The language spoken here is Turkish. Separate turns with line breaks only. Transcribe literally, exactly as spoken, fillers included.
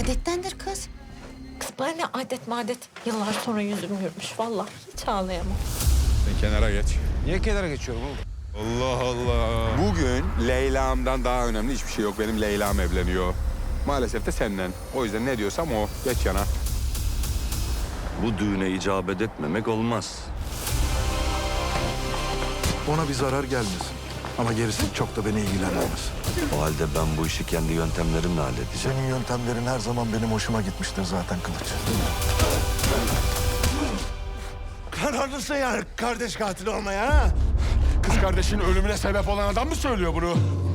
Adettendir kız.
Kız bana ne adet madet. Yıllar sonra yüzüm gülmüş. Vallahi hiç ağlayamam.
Sen kenara geç.
Niye kenara geçiyorum oğlum?
Allah Allah.
Bugün Leyla'mdan daha önemli hiçbir şey yok. Benim Leyla'm evleniyor. Maalesef de senden. O yüzden ne diyorsam o. Geç yana.
Bu düğüne icabet etmemek olmaz.
Ona bir zarar gelmesin. Ama gerisi çok da beni ilgilendirmez.
O halde ben bu işi kendi yöntemlerimle halledeceğim.
Senin yöntemlerin her zaman benim hoşuma gitmiştir zaten Kılıç.
Kararlısın yani kardeş katili olmaya ha?
Kız kardeşinin ölümüne sebep olan adam mı söylüyor bunu?